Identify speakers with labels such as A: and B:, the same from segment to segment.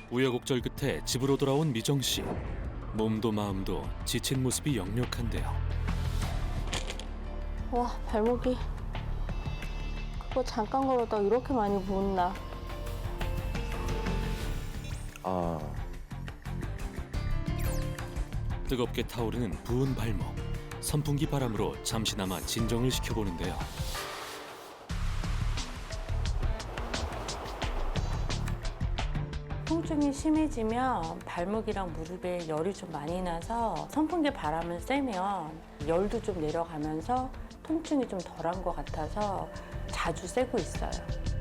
A: 우여곡절 끝에 집으로 돌아온 미정 씨. 몸도 마음도 지친 모습이 역력한데요.
B: 와, 발목이. 그거 잠깐 걸었다 이렇게 많이 부었나.
A: 뜨겁게 타오르는 부은 발목. 선풍기 바람으로 잠시나마 진정을 시켜보는데요.
B: 통증이 심해지면 발목이랑 무릎에 열이 좀 많이 나서 선풍기 바람을 쐬면 열도 좀 내려가면서 통증이 좀 덜한 것 같아서 자주 쐬고 있어요.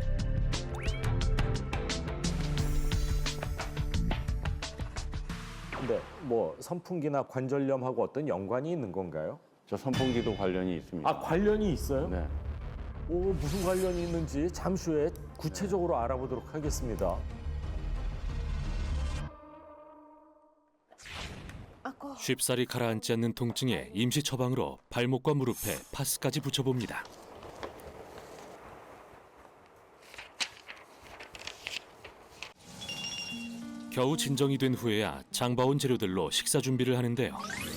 C: 근데 뭐 선풍기나 관절염하고 어떤 연관이 있는 건가요?
D: 저 선풍기도 관련이 있습니다.
C: 아, 관련이 있어요?
D: 네.
C: 오, 무슨 관련이 있는지 잠시 후에 구체적으로 알아보도록 하겠습니다.
A: 쉽사리 가라앉지 않는 통증에 임시 처방으로 발목과 무릎에 파스까지 붙여봅니다. 겨우 진정이 된 후에야 장봐온 재료들로 식사 준비를 하는데요.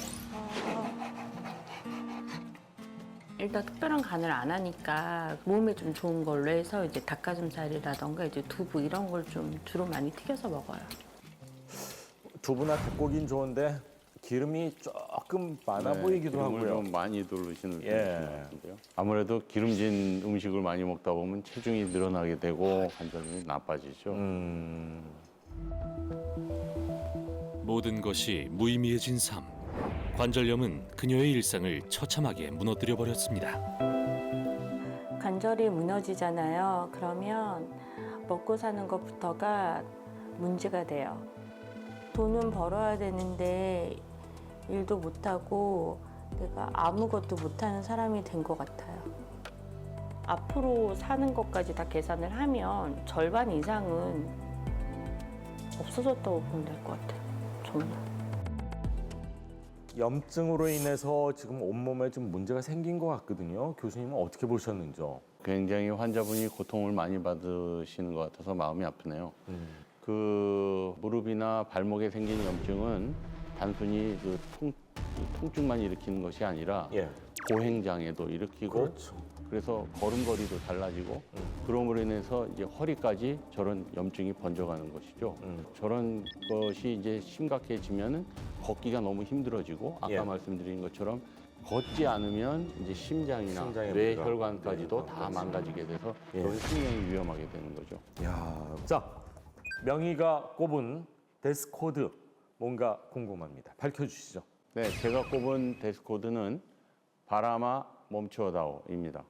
B: 일단 특별한 간을 안 하니까 몸에 좀 좋은 걸로 해서 이제 닭가슴살이라던가 이제 두부 이런 걸 좀 주로 많이 튀겨서 먹어요.
C: 두부나 닭고기는 좋은데 기름이 조금 많아
D: 네,
C: 보이기도
D: 기름을
C: 하고요.
D: 좀 많이 두르시는
C: 예.
D: 분인 것 같은데요. 아무래도 기름진 음식을 많이 먹다 보면 체중이 늘어나게 되고 관절이 나빠지죠.
A: 모든 것이 무의미해진 삶. 관절염은 그녀의 일상을 처참하게 무너뜨려 버렸습니다.
B: 관절이 무너지잖아요. 그러면 먹고 사는 것부터가 문제가 돼요. 돈은 벌어야 되는데 일도 못하고 내가 아무것도 못하는 사람이 된 것 같아요. 앞으로 사는 것까지 다 계산을 하면 절반 이상은 없어졌다고 보면 될 것 같아요. 정말.
C: 염증으로 인해서 지금 온몸에 좀 문제가 생긴 것 같거든요. 교수님은 어떻게 보셨는지요?
D: 굉장히 환자분이 고통을 많이 받으시는 것 같아서 마음이 아프네요. 그 무릎이나 발목에 생긴 염증은 단순히 그 통증만 일으키는 것이 아니라
C: 예.
D: 보행장애도 일으키고
C: 그렇죠.
D: 그래서 걸음걸이도 달라지고 그럼으로 인해서 이제 허리까지 저런 염증이 번져가는 것이죠. 저런 것이 이제 심각해지면은 걷기가 너무 힘들어지고 아까
C: 예.
D: 말씀드린 것처럼 걷지 않으면 이제 심장이나
C: 심장에
D: 뇌혈관까지도
C: 문제가
D: 다 망가지게 돼서
C: 예.
D: 그런 생명이 위험하게 되는 거죠.
C: 야, 자, 명희가 꼽은 데스코드 뭔가 궁금합니다. 밝혀주시죠.
D: 네, 제가 꼽은 데스코드는 바람아 멈추어다오입니다.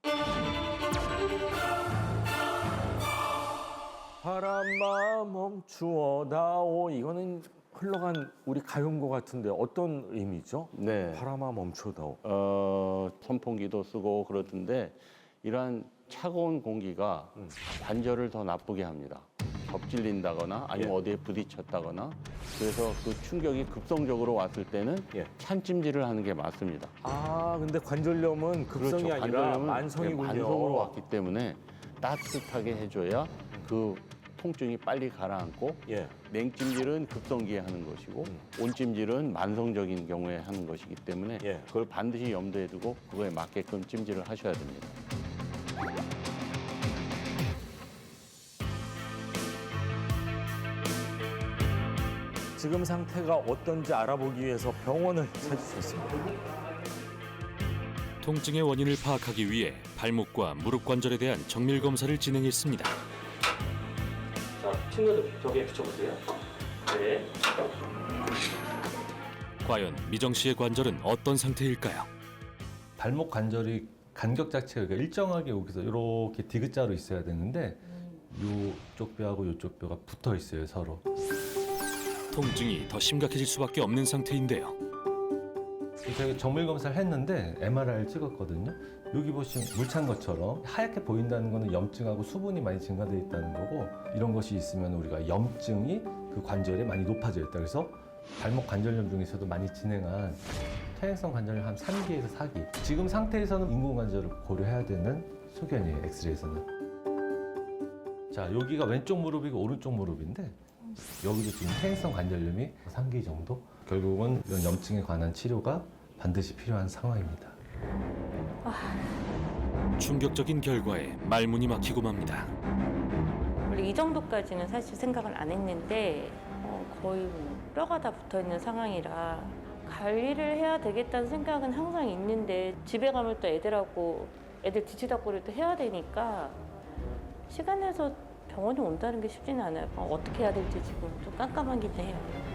C: 바람아 멈추어다오. 이거는 흘러간 우리 가요인 것 같은데 어떤 의미죠?
D: 네.
C: 바람아 멈추어다오.
D: 선풍기도 쓰고 그러던데 이러한 차가운 공기가 관절을 더 나쁘게 합니다. 접질린다거나 아니면
C: 예.
D: 어디에 부딪혔다거나 그래서 그 충격이 급성적으로 왔을 때는
C: 예.
D: 찬찜질을 하는 게 맞습니다.
C: 아, 근데 관절염은 급성이 아니라
D: 관절염은
C: 만성이군요.
D: 만성으로 왔기 때문에 따뜻하게 해줘야 그 통증이 빨리 가라앉고
C: 예.
D: 냉찜질은 급성기에 하는 것이고 온찜질은 만성적인 경우에 하는 것이기 때문에
C: 예.
D: 그걸 반드시 염두에 두고 그거에 맞게끔 찜질을 하셔야 됩니다.
C: 지금 상태가 어떤지 알아보기 위해서 병원을 찾으셨습니다.
A: 통증의 원인을 파악하기 위해 발목과 무릎 관절에 대한 정밀 검사를 진행했습니다.
E: 자, 측면을 벽에 붙여보세요. 네.
A: 과연 미정 씨의 관절은 어떤 상태일까요?
F: 발목 관절이 간격 자체가 일정하게 여기서 이렇게 디귿자로 있어야 되는데 이쪽 뼈하고 이쪽 뼈가 붙어 있어요, 서로.
A: 통증이 더 심각해질 수밖에 없는 상태인데요.
F: 저희가 정밀 검사를 했는데 MRI를 찍었거든요. 여기 보시면 물 찬 것처럼 하얗게 보인다는 거는 염증하고 수분이 많이 증가되어 있다는 거고 이런 것이 있으면 우리가 염증이 그 관절에 많이 높아져 있다. 그래서 발목 관절염 중에서도 많이 진행한 퇴행성 관절염 한 3기에서 4기. 지금 상태에서는 인공관절을 고려해야 되는 소견이에요, 엑스레이에서는. 자, 여기가 왼쪽 무릎이고 오른쪽 무릎인데 여기도 지금 퇴행성 관절염이 3기 정도. 결국은 이런 염증에 관한 치료가 반드시 필요한 상황입니다.
A: 충격적인 결과에 말문이 막히고 맙니다.
B: 원래 이 정도까지는 사실 생각을 안 했는데 거의 뭐 뼈가 다 붙어 있는 상황이라 관리를 해야 되겠다는 생각은 항상 있는데 집에 가면 또 애들 뒤치다꺼리 또 해야 되니까 시간 내서 병원에 온다는 게 쉽지는 않아요. 어떻게 해야 될지 지금 좀 깜깜하긴 해요.